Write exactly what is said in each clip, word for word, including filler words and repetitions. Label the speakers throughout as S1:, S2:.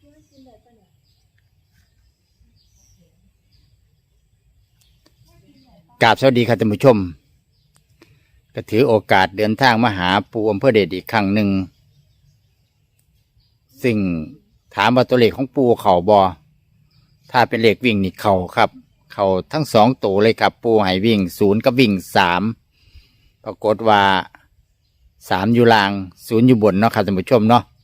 S1: กราบสวัสดีครับท่านผู้ชมก็ถือโอกาสเดินทางมาหาปู่อำเภอเดชอีกครั้งหนึ่งซึ่งถามว่าตัวเลขของปู่เข่าบอถ้าเป็นเลขวิ่งนี่เข่าครับเข่าทั้งสองตัวเลยครับปู่ให้วิ่งศูนย์กับวิ่งสามปรากฏว่าสามอยู่ล่างศูนย์อยู่บนเนาะครับท่านผู้ชมเนาะ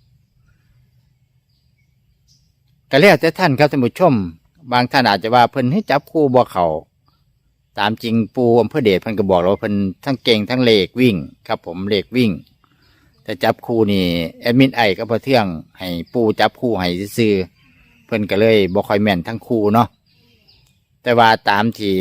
S1: ก็แล้วแต่ท่านครับท่านผู้ชมบางท่านอาจจะว่าเพิ่นให้จับคู่บ่เข่าตามจริงปูอำเภอเดชเพิ่นก็บอกเราเพิ่นทั้งเก่งทั้งเลขวิ่งครับผมเลขวิ่งแต่จับคู่นี่แอดมินไอก็พอเที่ยงให้ปูจับคู่ให้ซื้อเพิ่นก็เลยบ่ค่อยแม่นทั้งคู่เนาะแต่ว่าตามที่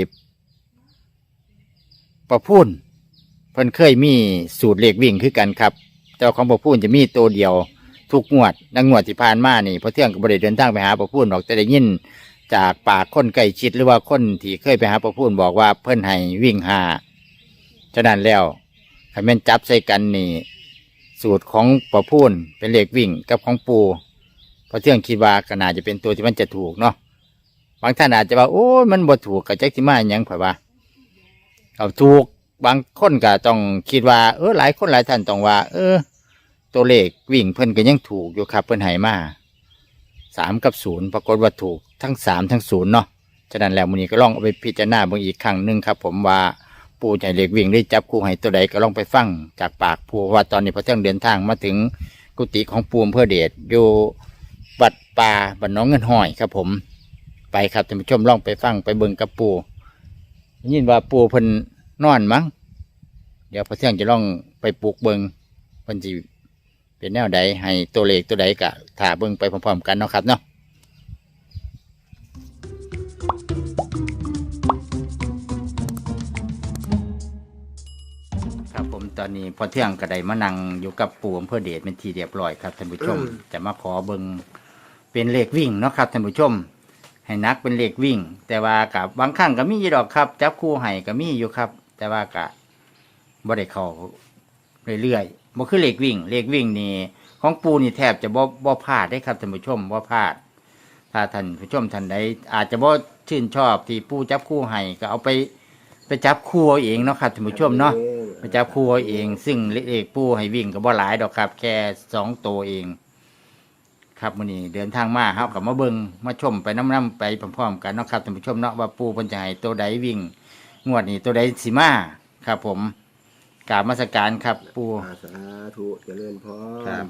S1: ประพูนเพิ่นเคยมีสูตรเลขวิ่งคือกันครับแต่ของประพูนจะมีตัวเดียวทุกงวดดังงวดที่ผ่านมานี่พอเที่ยงก็บ่ได้เดินทางไปหาประพูนหรอกแต่ได้ยินจากปากคนใกล้ชิดหรือว่าคนที่เคยไปหาประพูนบอกว่าเพิ่นให้วิ่งหาฉะนั้นแล้วให้แม่นจับใส่กันนี่สูตรของประพูนเป็นเลขวิ่งกับของปูเพราะเที่ยงคิดว่าก็น่าจะเป็นตัวที่มันจะถูกเนาะบางท่านอาจจะว่าโอ้มันบ่ถูกกับแจ็คที่มาอย่างเผยว่าเอาถูกบางคนก็ต้องคิดว่าเออหลายคนหลายท่านต้องว่าเออตัวเลขวิ่งเพิ่นก็ยังถูกอยู่ครับเพิ่นให้มาสามกับศูนย์ปรากฏว่าถูกทั้งสามทั้งศูนย์เนาะฉะนั้นแล้วมื้อนี้ก็ลองเอาไปพิจารณาเบิ่งอีกครั้งหนึ่งครับผมว่าปู่ใจเล็กวิ่งได้จับคู่ให้ตัวใดก็ลองไปฟังจากปากปู่ว่าตอนนี้พอเที่ยงเดินทางมาถึงกุฏิของปู่อำเภอเดชอยู่วัดป่าบ้านน้องเงินห้อยครับผมไปครับท่านผู้ชมลองไปฟังไปเบิ่งกับปู่ยินว่าปู่เพิ่นนอนมั้งเดี๋ยวพอเที่ยงจะลองไปปลูกเบิ่งเพิ่นสิเป็นแนวใดให้ตัวเลขตัวใดกะถ่าเบิ่งไปพร้อมๆกันเนาะครับเนาะครับผมตอนนี้พอเที่ยงกระไดมานั่งอยู่กับปู่อำเภอเดชเป็นทีเรียบร้อยครับท่านผู้ชมจะมาขอเบิ่งเป็นเลขวิ่งเนาะครับท่านผู้ชมให้นักเป็นเลขวิ่งแต่ว่ากับบางครั้งก็มีอยู่ดอกครับจับคู่ให้ก็มีอยู่ครับแต่ว่ากะบ่ได้เข้าเรื่อยๆบ่คือเลขวิ่งเลขวิ่งนี่ของปูนี่แทบจะบ่บ่พลาดได้ครับท่านผู้ชมบ่พลาดถ้าท่านผู้ชมท่านใดอาจจะบ่ชื่นชอบที่ปูจับคู่ให้ก็เอาไปไปจับคู่เอาเองเนาะครับท่านผู้ชมเนาะไปจับคู่เอาเองซึ่งเลขปูให้วิ่งก็บ่หลายดอกครับแค่สองตัวเองครับมื้อนี้เดินทางมาเฮาก็มาเบิ่งมาชมไปนำๆไปพร้อมๆกันเนาะครับท่านผู้ชมเนาะว่าปูเพิ่นจะให้ตัวใดวิ่งงวดนี้ตัวใดสิมาครับผมกราบนมัสการครับปู
S2: สาธุเจริญพร
S1: ครับ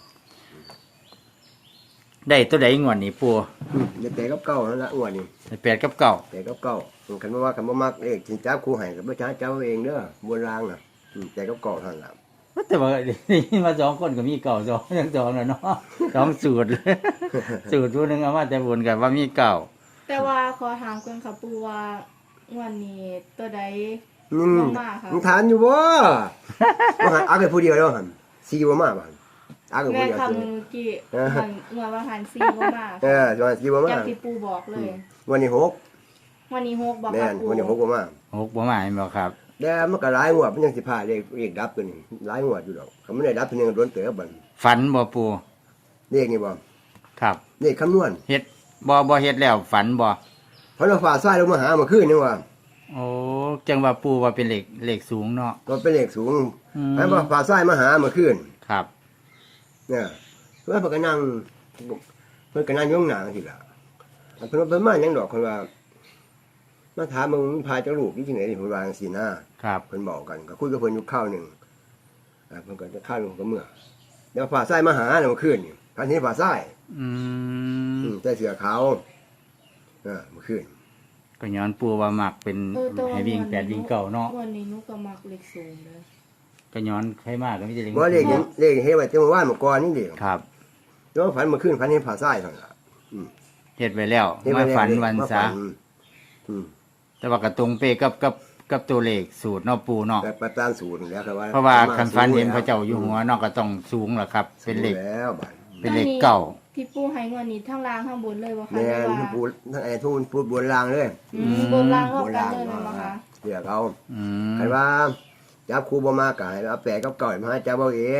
S1: ได้ตัวใดงวดนี้ปู
S2: ได้แปดกับเก้านั่นละงวดนี้
S1: ได้แปดกับเก้า
S2: แปดกับเก้าคันว่าคันว่ามักเลขสิจับคู่ให้กับบ่ช้าเจ้าเองเด้อบนรางน่ะแปดกับเก้าเท่านั้นล่ะ
S1: แต่ว่านี่มาสองคนก็มีเก่าสองทั้งสองแล้วเนาะสองสูตรสูตรตัวนึงเอามาแต่บนกับว่ามีเก่า
S3: แต่ว่าขอถามก่อนค่ะปูว่างวดนี้ตัวใด
S2: อืมมึงทานอยู่บ่บ่หันเอาแค่ผู้เดียวแล้วหั่นสี่บ่มาบ่หั่นเอาแค่ผู้เดียว
S3: แม่คำนึงกี่มันเมื่อว่าหันสี่บ่มา
S2: เออว่าสี่บ่มา
S3: อย่างที่ปูบอกเลย
S2: วันนี้หก
S3: วันนี้หกบอก
S2: ค่ะปูวันนี้หกบ่มา
S1: หกบ่มาเห็นบ่ครับ
S2: แต่มันก็หลายงวดมันยังสิพาเลขเลขดับตัวนี้หลายงวดอยู่ดอกคันมันได้ดับตัวนึงโดนเต๋อบัด
S1: ฝันบ่ปู
S2: เลขนี่บ่
S1: ครับ
S2: เลขคำนวณ
S1: เฮ็ดบ่บ่เฮ็ดแล้วฝันบ่
S2: เพราะว่าฟ้าทรายลงมาหาเมื่อคืนนี่ว่า
S1: โอ้จังว่าปูว่าเป็นเหล็กเหล็กสูงเนาะ
S2: ก็เป็นเหล็กสูงแม้ว่าฟ้าทรายมาหาเมื่อคืน
S1: ครับ
S2: เนี่ยเพื่อนเพิ่นก็นั่งเพิ่นก็นั่งย่องหนังทีละเพิ่นว่าเพิ่นมาหยังดอกเพิ่นว่ามาถามมึงพาเจ้าลูกนี่จังได๋นี่เพิ่นว่าจังซี่นะครับเพิ่นบอกกันก็คุยกับเพิ่นอยู่คราวนึงอ่าเพิ่นก็จะข้าวลงก็เมื่อแล้วฟ้าทรายมาหาเมื่อคืนนี่พันนี้ฟ้าทราย
S1: อืม
S2: ใส่เสื้อขาวเออเมื่อคืน
S1: ก็ย้อนปูว่ามักเป็นให้วิ่งแปดวิ่งเก่าเนาะ
S3: วันนี้นุก็มักเลขสูงเลย
S1: ก็ย้อนใครมากก็ไม่ใช่เลข
S2: บ่เลขเลขเฮ็ดไว้จังว่าเมื่อก่อนนี่เด้
S1: ครับ
S2: แล้วฝันเมื่อคืนฝันเห็นฟ้าทรายเท่านั้นล่ะ
S1: อืมเฮ็ดไว้แล้วมาฝันวันซะ
S2: อืม
S1: แต่ว่าก็ตรงเป๊ะกับกับกับตัวเลขสูตรเนาะปูเนาะ
S2: ประตามสูตรแล้วครับว่า
S1: เพราะว่าคันฝันเห็นพระเจ้าอยู่หัวเนาะก็ต้องสูงล่ะครับเป็นเลข
S2: แล้วบัด
S1: เป็นเลขเก่า
S3: ที่ปูให้งวดนี้ทั้งล่างทั้งบนเลยบ่คะ
S2: แม่นปูทั้งไอ้ทุนปูบนล่างเลย
S3: อืมบนล่างรอบกันเลยบ่คะ
S2: เดี๋ยวเขาอืมคันว่าจับครูบ่มาก็ให้เอาแปะกับเก่ามาให้จับเอาเอง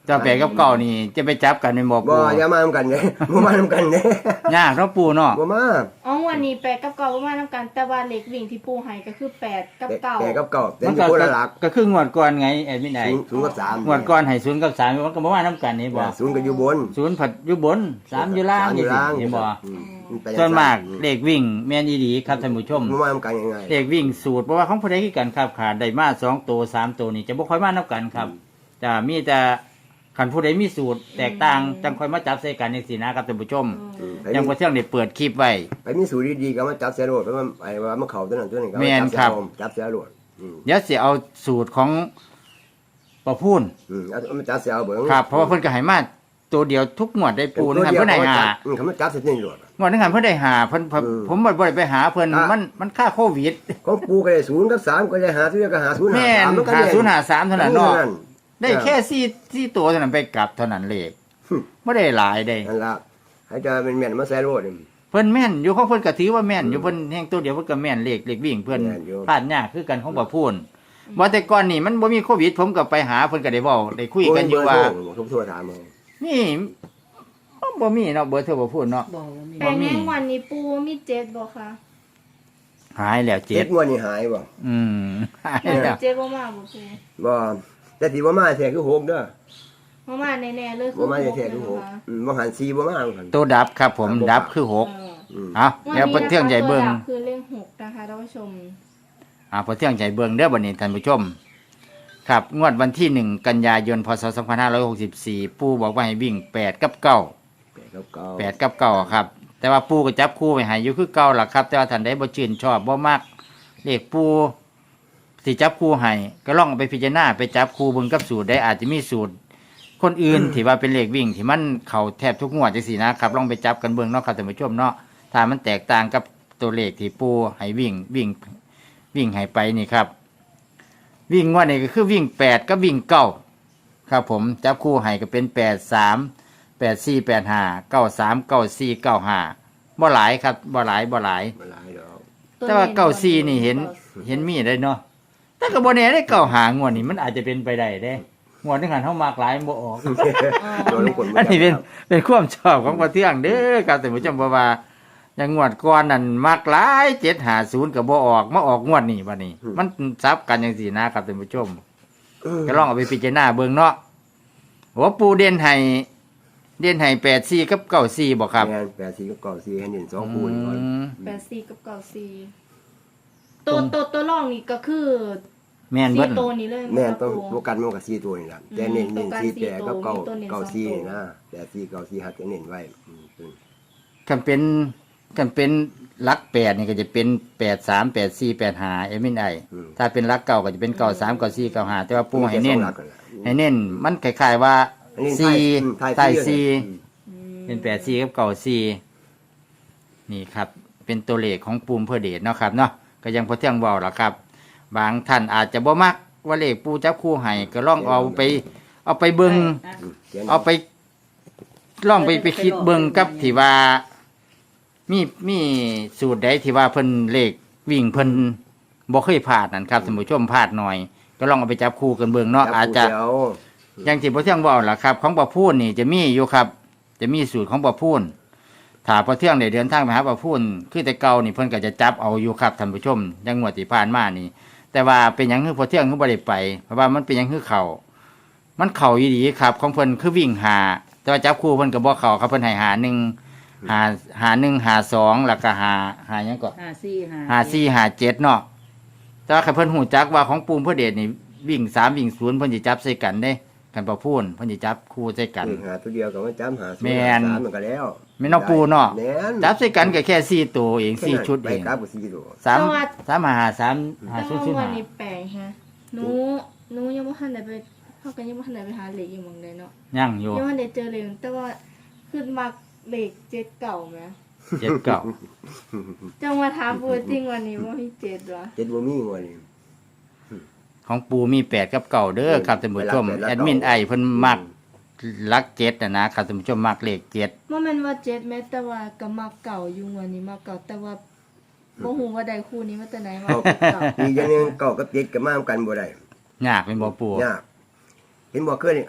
S1: เจ้าแปดกับเก้านี่จะไปจับกันเป็นบ่
S2: บ่
S1: ปู
S2: อย่ามานำกันเด้ บ่มานำกันเด้
S1: ยากเนาะปูเนาะ
S2: บ่มา
S3: อ๋อวันนี้แปดกับเก้าประมาณนำกันแต่ว่าเลขวิ่งที่ปูให้ก็คือแปดกับเก้า
S2: แปดกับเก้าแต่
S1: มัน
S2: อยู่
S1: ก็
S2: คนละหลัก
S1: ก็คืองวดก่อนไงแอดมินไอ
S2: ศูนย์ศูนย์กับสาม
S1: งวดก่อนให้ศูนย์กับสามมันก็บ่ว่านํกันนี่บ่
S2: ศูนย์ก็อยู่บน
S1: ศูนย์ผัดอยู่บนสามอยู่ล่าง
S2: สมอยู่ล่าง
S1: เห็นบ่
S2: อืมมันไป
S1: ส่วนมาก
S2: อื
S1: เลขวิ่งแม่นอีหลีครับท่านผู้ชม
S2: บ่มานำกันยังไง
S1: เลขวิ่งสูตรเพราะว่าของผู้ใดคือกันครับขาดได้มาสองตัวสามตัวนี่จะบ่ค่อยมานํกันครับจะมีแต่คันผู้ใดมีสูตรแตกต่างจังค่อยมาจับใส่กันจังซี่นะครับท่านผู้ชม
S2: อืม
S1: ยังบ่เที่ยงได้เปิดคลิปไว้
S2: ไปมีสูตรดีๆก็มาจับเสียโลดเพราะว่าไอ้ว่ามันเข้าตัวนั้นตัวนี้ก็
S1: แม่น
S2: จับ
S1: ครับ
S2: เสียโลดจับเสียโลดอืม
S1: เดี๋ยวสิเอาสูตรของประพูน
S2: อืมเอามาจับเสียเอาเบิ่ง
S1: ครับเพราะว่าเพิ่นก็ให้มาตัวเดียวทุกงวดได้ปูนึงหันเพิ่นได้หา
S2: อืมเขามาจับเสียนี่โลด
S1: งวดนึงหันเพิ่นได้หาเพิ่นผม
S2: อืม
S1: ผมบ่ได้ไปหาเพิ่น
S2: อ่ะ
S1: มันมันค่าโควิด
S2: ของปูก็ได้ศูนย์กับสามก็ได้หาซื้อก็หาศูนย์หา
S1: แม่น
S2: สามมันก็
S1: หา
S2: แม่
S1: ศูนย์หาสามเท่านั้นเนาะ
S2: นั่น
S1: ได้แค่สี่สี่ตัวเท่านั้นไปกลับเท่านั้นเลขบ่ได้หลายได้
S2: นั่นล่ะให้จะเป็นแม่นมาใส่โลดนี่
S1: เพิ่นแม่นอยู่ของเพิ่นก็ถือว่าแม่นอยู่เพิ่นแห่งตัวเดียวเพิ่นก็แม่นเลขเลขวิ่งเพิ่น
S2: แม่นอยู่
S1: พลาดยากคือกันของบ่พูนว่าแต่ก่อนนี่มันบ่มีโควิด ผมก็ไปหาเพิ่นก็ได้เว้าได้คุยกันอยู่ว่า
S2: ผมโทรถามเอา
S1: นี่บ่มีเนาะเบอร์โทรบ่พูนเนาะ
S4: บอกว่ามี
S3: แปดในวันนี้ปูมีเจ็ดบ่คะ
S1: หายแล้ว
S2: เจ็
S1: เจ็
S2: ด
S1: ด
S2: งวดนี่หายบ่
S1: อืมหาย
S3: น่า
S1: แล้
S3: จะ
S1: ว
S3: เจ็ดบ่มาบ่ปู
S2: บ่แต่ที่บ่มาแท้คือหกเด้อ
S3: บ่มาแน่ๆเลยคื
S2: บ่
S3: อ
S2: มา
S3: หก
S2: แท้คือหก
S3: นะคะ
S2: อืมบ่หันสี่บ่มาหั่น
S1: ตัวดับครับผมดับคือหก
S3: เออ
S2: อืม
S1: เอาเดี๋ยวเพิ่นเที่ยงใหญ่เบิ่ง
S3: ตัวดับคือเลขหกนะคะท่านผู้ชม
S1: อ่าเพิ่นเที่ยงใหญ่เบิ่งเด้อบัดนี้ท่านผู้ชม ครับงวดวันที่หนึ่งกันยายนพศสองพันห้าร้อยหกสิบสี่ปู่บอกว่าให้วิ่งแปดกับเก้า
S2: แปดกับเก้า
S1: แปดกับเก้าครับ แต่ว่าปู่ก็จับคู่ไว้ให้อยู่คือเก่าล่ะครับ แต่ว่าท่านใดบ่ชื่นชอบบ่มักเลขปู่สิจับคู่ให้ก็ลองเอาไปพิจารณาไปจับคู่เบิ่งกับสูตรได้อาจจะมีสูตร คนอื่น ที่ว่าเป็นเลขวิ่งที่มันเข้าแทบทุกงวดจังซี่นะครับลองไปจับกันเบิ่งเนาะครับท่านผู้ชมเนาะถ้ามันแตกต่างกับตัวเลขที่ปู่ให้วิ่งวิ่งวิ่งให้ไปนี่ครับ วิ่งงว่านี่ก็คือวิ่งแปดก็วิ่งเก้าครับผมจับคู่ให้ก็เป็นแปดสามแปดสี่แปดห้าเก้าสามเก้าสี่เก้าห้าบ่หลายครับบ่หลายบ่หลาย
S2: บ่หลายดอก
S1: แต่ว่าเก้าสี่นี่เห็นเห็นมีได้เนาะแต่ก็บ่แน่ได้เก้าหางวดนี่มันอาจจะเป็นไปได้เด้งวดนึงหันเฮามากหลายบ่ออก
S2: โดนลูกคน
S1: อันนี้เป็นเป็นความชอบของประเทืองเด้อครับท่านผู้ชมเพราะว่าอย่างงวดก่อนนั่นมักหลายเจ็ดห้าศูนย์ก็บ่ออกมาออกงวดนี้บัดนี้ มันซับกันจังซี่นะครับท่านผู้ชม ก็ลองเอาไปพิจารณาเบิ่งเนาะหัวปูเด่นให้เด่นให้แปดสี่กับเก้าสี่บอกครับ
S2: แม่นแปดสี่กับเก้าสี่ให้เห็นสองคู่นี่ก่อน
S1: อืม
S3: แปดสี่กับเก้าสี่ตัวตัวตัวรองนี่ก็คือ
S1: แม่น
S3: สี่
S1: เบิ้
S3: ตัวนี้เลย
S2: แม่น
S3: ครับ
S2: ต้อง
S3: ปู
S2: โฟกัสมันกับสี่ตัวนี่ล่ะแต่เน้นเน้นสี่แปดกับเก้าเก้าสี่นี่นะแปดสี่เก้าสี่หัดจะเน้นไว้อืมอืม
S1: กันเป็นกันเป็นหลักแปดนี่ก็จะเป็นแปดสามแปดสี่แปดห้าเอมินไอถ้าเป็นหลักเก่าก็จะเป็นเก้าสามเก้าสี่เก้าห้าแต่ว่าปูให้เน้น
S2: มีแค่สองหลักนั่นแหละ
S1: ให้เน้นมันคล้ายๆว่า
S2: อันนี้
S1: สี่
S2: ไทย
S1: ไทย
S2: ไทย
S1: สี่
S2: อืม
S3: อืม
S1: เป็นแปดสี่กับเก้าสี่นี่ครับ เป็นตัวเลขของปูมเพื่อเดชเนาะครับเนาะก็ยังพอเที่ยงเบาหรอครับ บางท่านอาจจะบ่มักว่าเลขปูจับคู่ให้ก็ลองเอาไป เอาไปเบิง
S2: อืมขียน
S1: เอาไปลองไปไปคิดเบิงกับที่ว่า มีมีสูตรใดที่ว่าเพิ่นเลขวิ่งเพิ่นบ่เคยพลาดนั่นครับท่านผู้ชมพลาดหน่อย ก็ลองเอาไปจับคู่กันเบิงเนาะ
S2: จับ
S1: อาจจะ
S2: คู่เดียว
S1: อย่างที่พ่อเที่ยงบอกล่ะครับ ของบ่พูนนี่จะมีอยู่ครับ จะมีสูตรของบ่พูนถ้าพ่อเที่ยงได้เดินทางไปหาบ่พูนคือแต่เก่านี่เพิ่นก็จะจับเอาอยู่ครับท่านผู้ชมอยังงวดที่ผ่านมานี่ แต่ว่าเป็นหยังคือพ่อเที่ยงคือบ่ได้ไปเพราะว่ามันเป็นหยังคือเข้ามันเข้าอีหลีครับ ของเพิ่นคือวิ่งหาแต่ว่าจับคู่เพิ่นก็บ่เข้าครับเพิ่นให้หาหนึ่งหาหาหนึ่งหาสองแล้วก็หาหาหยังก็
S4: ห้าสี่ห้า
S1: หาสี่หาเจ็ดเนาะแต่ว่าคันเพิ่นหูจักว่าของปูมเพื่อเดชนี่วิ่งสามวิ่งศูนย์เพิ่นสิจับใส่กันเด้กันบ่พูนเพิ่นสิจับคู่ใส่กัน
S2: อืมหาตัวเดียวก็มาจำหาศูนย์
S1: แม่น
S2: หาสามมันก็แล้ว
S1: แม่นเอาปูเนาะ
S2: แม่น
S1: จับใส่กันก็แค่สี่ตัวเองสี่ชุด
S2: ไป
S1: เอง
S2: กลับกับสี่ตัว
S1: สามสามหาสามหา
S3: แต่
S1: ศูนย์
S3: ว่า
S1: ศูนย์
S3: วัน
S1: หา
S3: นี้แปลกฮะหนูหนูยังบ่ทันได้ไปเฮากันยังบ่ทันได้ไปหาเหล็กอยู่หม่องใดเนาะ
S1: ยังอยู่
S3: ยังบ่ทันได้เจอเลยแต่ว่าขึ้นมาเหล็กเจ็ดเก่าแหม
S1: เจ็ดเก้า
S3: จังมาถามปูจริงวันนี้ว่ามีเจ็ดวะ
S2: เจ็ดบ่มีงวดนี่
S1: ของปูมีแปดกับเก้าเด้อครับท่านผู้ชม
S2: ไปรับแปดรับ
S1: แอดมินไอเพิ่นมักลักเจ็ดนะนะครับท่านผู้ชมมักเลขเจ็ด
S3: บ่แม่นว่าเจ็ดแม้แต่ว่าก็มักเก่าอยู่วันนี้มักเก่าแต่ว่าบ่ฮู้ว่าใดคู่นี้มาแต่ไหนมาเก่า
S2: อีกอย่างหนึงเก้ากับเจ็ดก็มากันบ่ได้
S1: ยากเป็นบ่ปู
S2: ยากเห็นบ่เคยอัน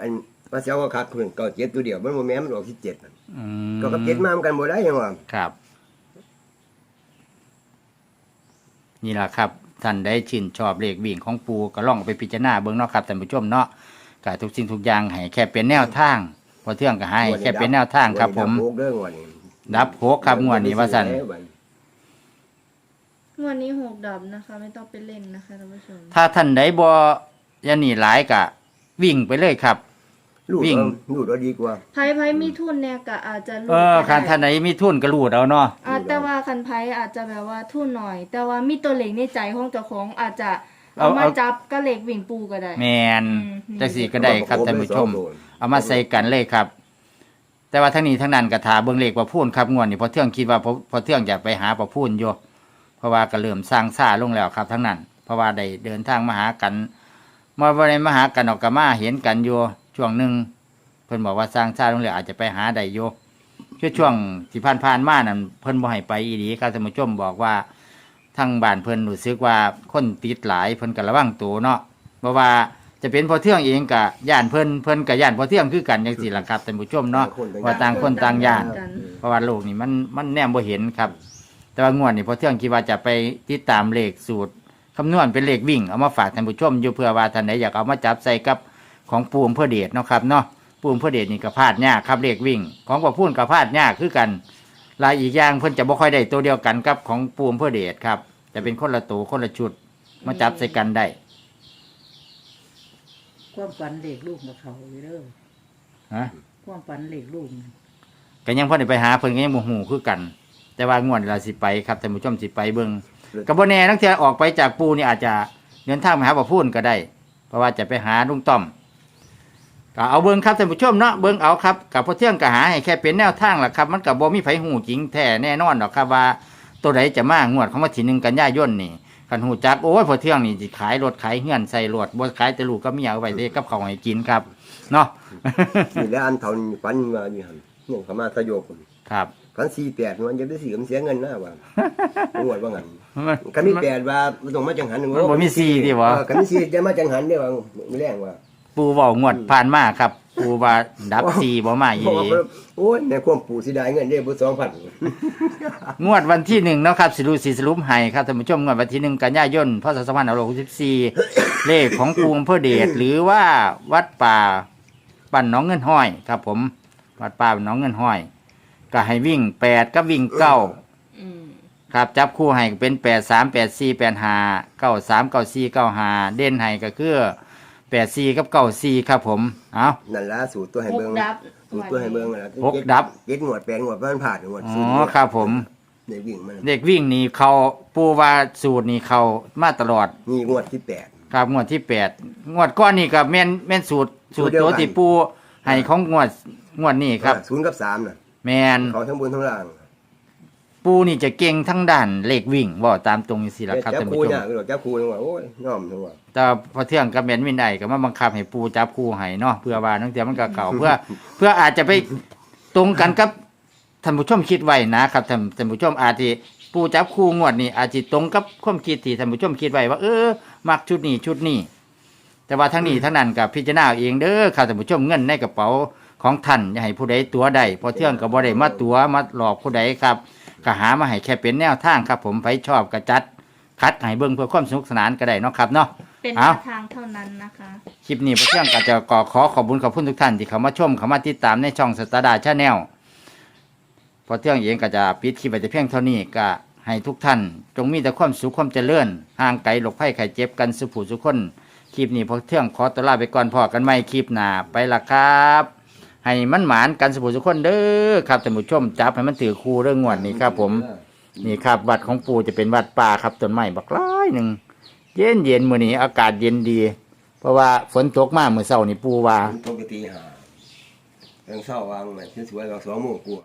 S2: มาเสียวก็ขาดทุนเก้าเจ็ดตัวเดียวมันบ่แม่นมันออกสิบเจ็ดนั่น
S1: อื
S2: ก็กับเจ็ดมามันกันบ่ได้ยังว่า
S1: ครับ นี่ล่ะครับท่านได้ชื่นชอบเลขวิ่งของปูก็ลองเอาไปพิจารณาเบิ่งเนาะครับท่านผู้ชมเนาะก็ทุกสิ่งทุกอย่างให้แค่เป็นแนวทางพอเที่ยงก็ให้แค่เป็นแนวทางครับผม
S2: ดับโกเด้องวดนี้
S1: ดับหกครับงวดนี้ว่าซั่น
S3: งวดนี้หกดับนะคะ ไม่ต้องไปเล่นนะคะท่านผู้ชม
S1: ถ้าท่านใดบ่ยันนี่หลายก็วิ่งไปเลยครับ
S2: ลูด
S1: วิ่ง
S2: เอาลูดเอาดีกว่า
S3: ไพ่ไพ่มีทุนเนี่ยก็อาจจะรู้
S1: เออ
S3: ก็
S1: คัน
S3: ได้
S1: ท่านใดมีทุนก็รูดเอาเนาะ
S3: อ่าแต่ว่าคันไพ่อาจจะแบบว่าทุนหน่อย แต่ว่ามีตัวเหล็กในใจของเจ้าของอาจจะเอามาจับก็เหล็กวิ่งปูก็ได้
S1: แมน
S3: อืม
S1: จังซี่ก็ได้ครับท่านผู้ชม เอามาใส่กันเลยครับ แต่ว่าทั้งนี้ทั้งนั้นก็ถาเบิ่งเลขประพูนครับงวดนี้พอเที่ยงคิดว่าพอพอเที่ยงอยากไปหาประพูนอยู่เพราะว่าก็เริ่มสร้างซ่าลงแล้วครับ ทั้งนั้น เพราะว่าได้เดินทางมาหากันมาบ่ได้มาหากันออกก็มาเห็นกันอยู่ช่วงหนึงเพิ่นบอกว่าสร้างซ่าลงแล้วอาจจะไปหาได้อยู่คือช่วงที่ผ่านๆมานั่นเพิ่นบ่ให้ไปอีหลีครับท่านผู้ชมบอกว่าทางบ้านเพิ่นรู้สึกว่าคนติดหลายเพิ่นก็ระวังตัวเนาะเพราะว่าจะเป็นพอเที่ยงเองกับย่านเพิ่นเพิ่นกับย่านพอเที่ยงคือกันจังซี่ล่ะครับท่านผู้ชมเนาะว่าต่างคนต่างย่าน
S3: กัน
S1: เพราะว่าโลกนี่มันมันแนมบ่เห็นครับ แต่ว่างวดนี่พอเที่ยงคิดว่าจะไปติดตามเลขสูตรคำนวณเป็นเลขวิ่งเอามาฝากท่านผู้ชมอยู่เพื่อว่าท่านใดอยากเอามาจับใส่กับของปูมเพื่อเดชเนาะครับเนาะปูมเพื่อเดชนี่ก็พลาดยากครับเลขวิ่ง ของพ่อพูนก็พลาดยากคือกันลายอีกอย่างเพิ่นจะบ่ค่อยได้ตัวเดียวกันกับของปูมเพื่อเดชครับจะเป็นคนละตัวคนละชุดมาจับใส่กันได้
S4: ความฝันเหล็กลูกกับเขาอยู่เด้อ
S1: ฮะ
S4: ความฝันเหล็กลูกน่ะ
S1: ก็ยังพอได้ไปหาเพิ่นก็ยังบ่ฮู้คือกัน แต่ว่างวดเราสิไปครับท่านผู้ชมสิไปเบิ่งก็บ่แน่นักเที่ยออกไปจากปูนี่อาจจะเดินทางไปหาบ่พูนก็ได้ เพราะว่าจะไปหาลุงต้อมก็เอาเบิ่งครับท่านผู้ชมเนาะเบิ่งเอาครับกับพอเที่ยงก็หาให้แค่เป็นแนวทางล่ะครับ มันก็บ่มีไผฮู้จริงแท้แน่นอนดอกครับว่าตัวใดจะมางวดของวันที่หนึ่งกันยายนนี่คันฮู้จักโอ้ยพอเที่ยงนี่สิขายรถขายเฮือนใส่รถบ่ขายแต่ลูกกับเมียเอาไว้เด้กับข้าวให้กินครับเนาะ
S2: นี่แหละอันเท่านี้ฝันว่าอยู่หั่นเนี่ยเขามาสยบ
S1: ครับ
S2: ฝันสี่แปดมันจะได้สี่มันเสียเงินนะว่างวดว่างั้นก็มีแปดว่ามันต้องมาจังหัน
S1: มันบ่มีสี่ติบ่
S2: เออก็มีสี่จะมาจังหันเด้ว่ามื้อแรงว่า
S1: ปูเว้างวดผ่านมาครับ ปูว่าดับสี่บ่มาอี
S2: เพราะ
S1: ห
S2: ว่า
S1: ลี
S2: โอ้ยในความปู่สิได้เงินเด้บ่สองพัน
S1: งวดวันที่หนึ่งเนาะครับสิรูสีสรุปให้ครับท่านผู้ชมงวดวันที่หนึ่งกันยายนพศสองพันห้าร้อยหกสิบสี่เลขของปูอำเภอเดชหรือว่าวัดป่าบ้านหนองเงินห้อยครับ ผมวัดป่าบ้านหนองเงินห้อย ก็ให้วิ่งแปดกับวิ่งเก้า
S3: อืม
S1: ครับจับคู่ให้เป็นแปดสามแปดสี่แปดห้าเก้าสามเก้าสี่เก้าห้าเด่นให้ก็คือแปดสี่กับเก้าสี่ครับผมเอา
S2: นั่นล่ะสูตรตัวให้
S3: หก
S2: เบิ่ง
S3: ดับ
S2: สูตรตัวให้เบิ่งนั่นล่ะ
S1: หกดับ
S2: เจ็ดงวดแปดงวดมันผ่านงวด
S1: อ๋
S2: สู
S1: อ
S2: ตร
S1: ครับผม
S2: ในวิ่งมัน
S1: เด็กวิ่งนี่เขาปูว่าสูตรนี่เขามาตลอด
S2: นี่งวดที่แปด
S1: ครับงวดที่แปดงวดก้อนนี่กับแม่นแม่นสูตรสูตร
S2: สูตรเดียว
S1: ตัว
S2: กัน
S1: ที่ปูให้ของงวดงวดนี้ครับ
S2: ศูนย์กับสามน่ะ
S1: แมน
S2: เขาทั้งบนทั้งล่าง
S1: ปูนี่จะเก่งทั้งด้านเลขวิ่งบ่ตามตรงสิละครับ
S2: จับ
S1: ท่าน
S2: คู
S1: ผู้ช
S2: เนี่ย
S1: ม
S2: คือจับคูนี่ว่าโอ้ยยอมทั้งว่า
S1: แต่พอเที่ยงกับแม่นวินได้ก็มาบังคับให้ปูจับคู่ให้เนาะเพื่อว่านังเที่ยมันก็เก่า เพื่อ เพื่ออาจจะไปตรงกันกับท่านผู้ชมคิดไว้นะครับท่านท่านผู้ชมอาจจะปูจับคู่งวดนี่อาจจะตรงกับความคิดที่ท่านผู้ชมคิดไว้ว่า เออมักชุดนี้ชุดนี้ แต่ว่าทั้งนี้ทั้งนั้นกับพิจารณาเอาเองเด้อครับท่านผู้ชมเงินในกระเป๋าของท่านอย่าให้ผู้ใดตัวใดพอเที่ยงก็บ่ได้มาตัวมาหลอกผู้ใดครับก็หามาให้แค่เป็นแนวทางครับผมไปชอบกระจัดคัดให้เบิ่งเพื่อความสนุกสนานก็ได้เนาะครับเนาะ
S3: เป็นแน
S1: เอา
S3: วทางเท่านั้นนะคะ
S1: คลิปนี้พอเที่ยงก็จะขอขอขอบคุณขอบคุณทุกท่านที่เข้ามาชมเข้ามาติดตามในช่องสตาร์ดาชาแนลพอเที่ยงเองก็จะปิดคลิปไปแต่เพียงเท่านี้ก็ให้ทุกท่านจงมีแต่ความสุขความเจริญห่างไกลโรคภัยไข้เจ็บกันสุขผู้สุขคนคลิปนี้พอเที่ยงขอตัวลาไปก่อนพอกันใหม่คลิปหน้าไปละครับ ให้มันหมานกันสุขผู้สุขคนเด้อครับท่านผู้ชมจับให้มันถือคู่เรื่องงวดนี้ครับ ผมนี่ครับวัดของปู่จะเป็นวัดป่าครับต้นไม้บักร้ายหนึ่งเย็นเย็นมื้อนี้อากาศเย็นดี เพราะว่าฝนตกมาเมื่อเช้านี่ปู่ว่า
S2: ปกติหาเรื่องเศร้าวางมันสวยๆเราสองโมงกว่า